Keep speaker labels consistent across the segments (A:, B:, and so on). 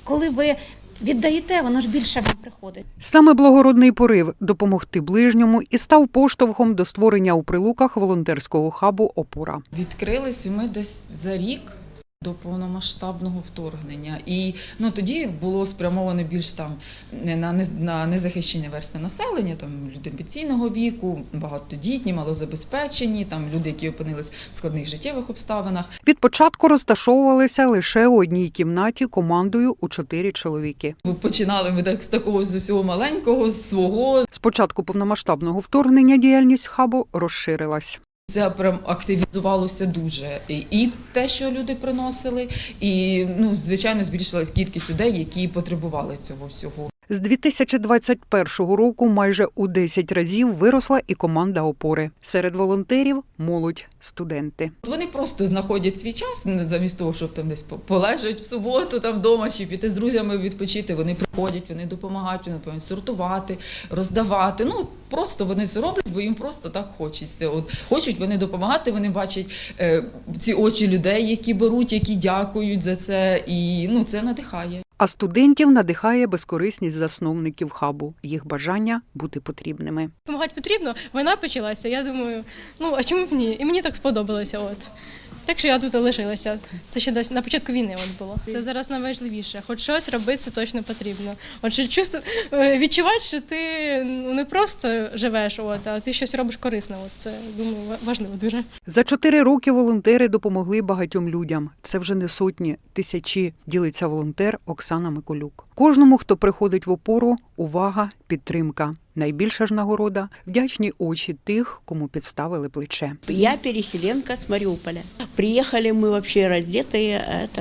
A: Коли ви віддаєте, воно ж більше вам приходить.
B: Саме благородний порив допомогти ближньому і став поштовхом до створення у Прилуках волонтерського хабу «Опора».
C: Відкрились ми десь за рік до повномасштабного вторгнення. І тоді було спрямовано більш на незахищені верстви населення, там люди пенсійного віку, багатодітні, малозабезпечені, люди, які опинились в складних життєвих обставинах.
B: Від початку розташовувалися лише у одній кімнаті командою у 4 чоловіки.
C: Починали ми з такого з усього маленького, з свого.
B: З початку повномасштабного вторгнення діяльність хабу розширилась.
C: Це прям активізувалося дуже. І те, що люди приносили, і, звичайно, збільшилась кількість людей, які потребували цього всього.
B: З 2021 року майже у 10 разів виросла і команда «Опори». Серед волонтерів – молодь, студенти.
C: Вони просто знаходять свій час, замість того, щоб там десь полежать в суботу там вдома чи піти з друзями відпочити. Вони приходять, вони допомагають, вони повинні сортувати, роздавати. Просто вони це роблять, бо їм просто так хочеться. Хочуть вони допомагати, вони бачать ці очі людей, які беруть, які дякують за це, і це надихає.
B: А студентів надихає безкорисність засновників хабу, їх бажання бути потрібними.
D: Помагати потрібно, війна почалася, я думаю, а чому б ні? І мені так сподобалося. Так що я тут лишилася. Це ще десь на початку війни було. Це зараз найважливіше. Хоч щось робити, це точно потрібно. Відчувати, що ти не просто живеш, а ти щось робиш корисне. Це, думаю, важливо дуже.
B: За 4 роки волонтери допомогли багатьом людям. Це вже не сотні, тисячі, ділиться волонтер Оксана Миколюк. Кожному, хто приходить в опору, увага, підтримка. Найбільша ж нагорода – вдячні очі тих, кому підставили плече.
E: Я переселенка с Мариуполя. Приехали мы вообще раздетые, это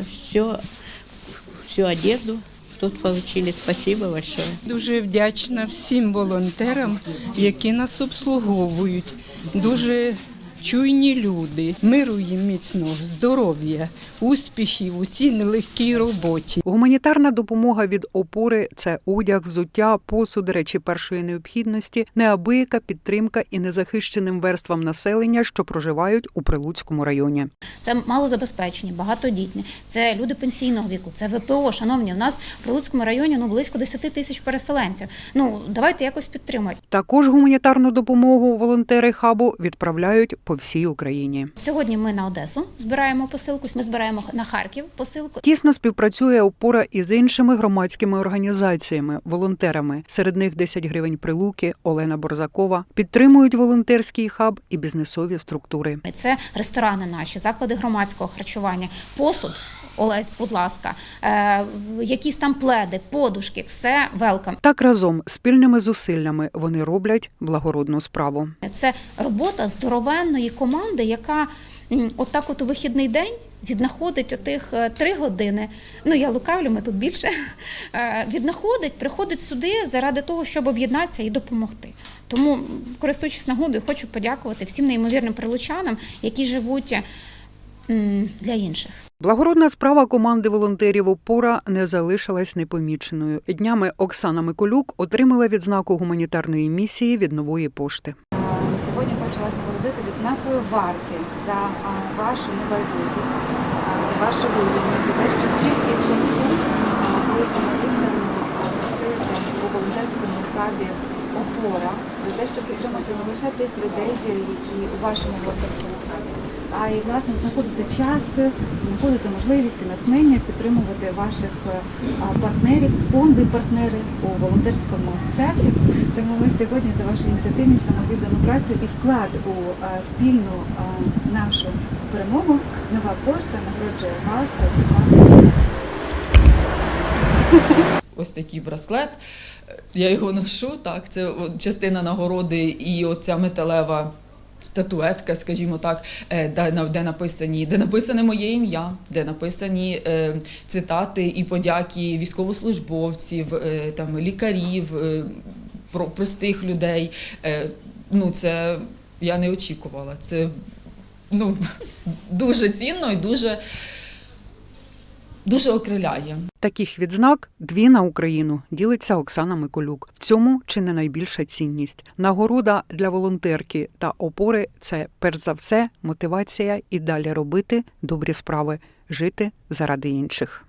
E: всю одежду тут получили. Спасибо большое.
F: Дуже вдячна всім волонтерам, які нас обслуговують. Дуже чуйні люди. Миру їм міцного, здоров'я, успіхів у цій нелегкій роботі.
B: Гуманітарна допомога від «Опори» – це одяг, взуття, посуд, речі першої необхідності, неабияка підтримка і незахищеним верствам населення, що проживають у Прилуцькому районі.
A: Це малозабезпечені, багатодітні, це люди пенсійного віку, це ВПО. Шановні, у нас в Прилуцькому районі близько 10 тисяч переселенців. Давайте якось підтримати.
B: Також гуманітарну допомогу волонтери хабу відправляють по всій Україні.
A: Сьогодні ми на Одесу збираємо посилку, ми збираємо на Харків посилку.
B: Тісно співпрацює «Опора» із іншими громадськими організаціями, волонтерами. Серед них 10 гривень Прилуки, Олена Борзакова. Підтримують волонтерський хаб і бізнесові структури.
A: Це ресторани наші, заклади громадського харчування, посуд. Олесь, будь ласка, якісь там пледи, подушки, все велкам.
B: Так разом, спільними зусиллями вони роблять благородну справу.
A: Це робота здоровенної команди, яка от у вихідний день віднаходить отих 3 години, я лукавлю, ми тут більше, приходить сюди заради того, щоб об'єднатися і допомогти. Тому, користуючись нагодою, хочу подякувати всім неймовірним прилучанам, які живуть для інших.
B: Благородна справа команди волонтерів «Опора» не залишилась непоміченою. Днями Оксана Миколюк отримала відзнаку гуманітарної місії від Нової пошти.
G: Сьогодні хочу вас нагородити відзнакою «Варті» за вашу небайдужість, за вашу вивідність, за те, що стільки часу ви самовіддано працюєте у волонтерському хабі «Опора», за те, щоб підтримати не лише тих людей, які у вашому волонтерському хабі, а й, власне, знаходити час, знаходити можливість і натхнення підтримувати ваших партнерів, фонди-партнери у волонтерському чаті. Тому ми сьогодні за вашу ініціативність, самовіддану працю і вклад у спільну нашу перемогу Нова пошта нагороджує вас.
C: Ось такий браслет, я його ношу, це частина нагороди і оця металева статуетка, скажімо так, де написане моє ім'я, де написані цитати і подяки військовослужбовців, лікарів, простих людей. Це я не очікувала. Це дуже цінно і дуже окриляє.
B: Таких відзнак 2 на Україну, ділиться Оксана Миколюк. В цьому чи не найбільша цінність. Нагорода для волонтерки та «Опори» – це, перш за все, мотивація і далі робити добрі справи, жити заради інших.